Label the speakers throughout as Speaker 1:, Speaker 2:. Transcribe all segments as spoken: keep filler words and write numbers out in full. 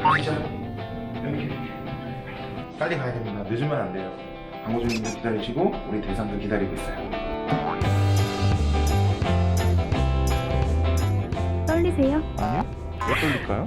Speaker 1: 가시죠. 이렇게 빨리 가야 됩니다. 늦으면 안 돼요. 광고주님들 기다리시고 우리 대상도 기다리고 있어요.
Speaker 2: 떨리세요?
Speaker 1: 아니요? 왜 떨릴까요?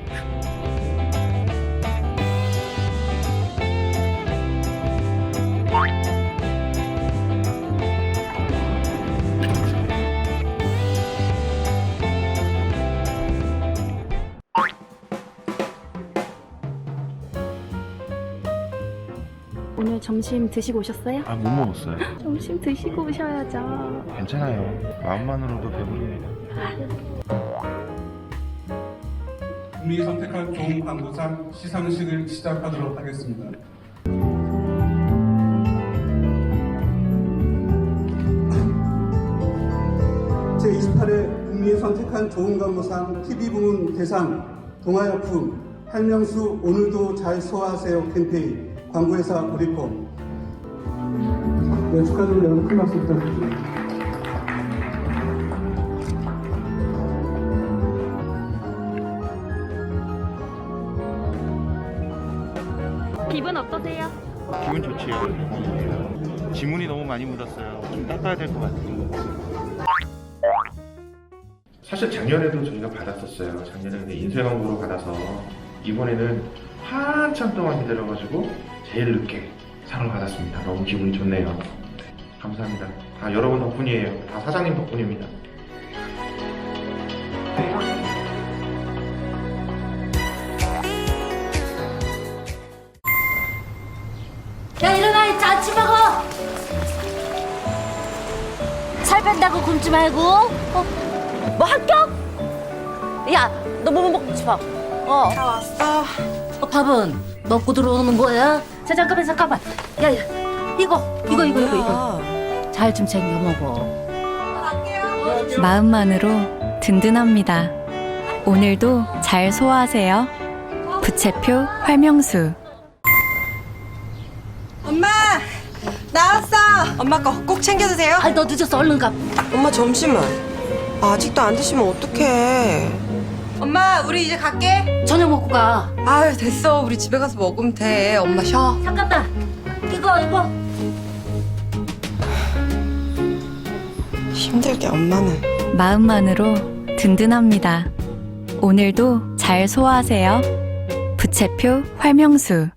Speaker 2: 오늘 점심 드시고 오셨어요?
Speaker 1: 아, 못 먹었어요.
Speaker 2: 점심 드시고 오셔야죠.
Speaker 1: 괜찮아요. 마음만으로도 배부릅니다.
Speaker 3: 국민이 선택한 좋은 광고상 시상식을 시작하도록 하겠습니다. 제이십팔 회 국민이 선택한 좋은 광고상 티비 부문 대상 동아약품 할명수 오늘도 잘 소화하세요 캠페인 광고회사 우리콤. 네, 축하드립니다. 여러분 큰 박수 부탁드립니다.
Speaker 2: 기분 어떠세요?
Speaker 1: 기분 좋지요. 지문이 너무 많이 묻었어요. 좀 닦아야 될 것 같아요. 사실 작년에도 저희가 받았었어요. 작년에 근데 인쇄 광고로 받아서 이번에는 한참 동안 기다려가지고 제일 늦게 상을 받았습니다. 너무 기분이 좋네요. 감사합니다. 다 여러분 덕분이에요. 다 사장님 덕분입니다.
Speaker 4: 야 일어나 이제 아침 먹어. 살 뺀다고 굶지 말고. 어? 뭐 합격? 야 너 뭐 먹고 싶어? 어.
Speaker 5: 다 왔어.
Speaker 4: 어, 밥은 먹고 들어오는 거야? 자 잠깐만 잠깐만. 야, 야 이거 이거 이거 이거 이거 잘 좀 챙겨 먹어.
Speaker 6: 마음만으로 든든합니다. 오늘도 잘 소화하세요. 부채표 활명수.
Speaker 5: 엄마 나왔어. 엄마 거 꼭 챙겨 드세요.
Speaker 4: 아 너 늦었어 얼른 가.
Speaker 5: 엄마 점심은 아직도 안 드시면 어떡해. 엄마 우리 이제 갈게.
Speaker 4: 저녁 먹고 가.
Speaker 5: 아유 됐어. 우리 집에 가서 먹으면 돼. 엄마 쉬어.
Speaker 4: 잠깐 다 이거 이거.
Speaker 5: 힘들게 엄마는.
Speaker 6: 마음만으로 든든합니다. 오늘도 잘 소화하세요. 부채표 활명수.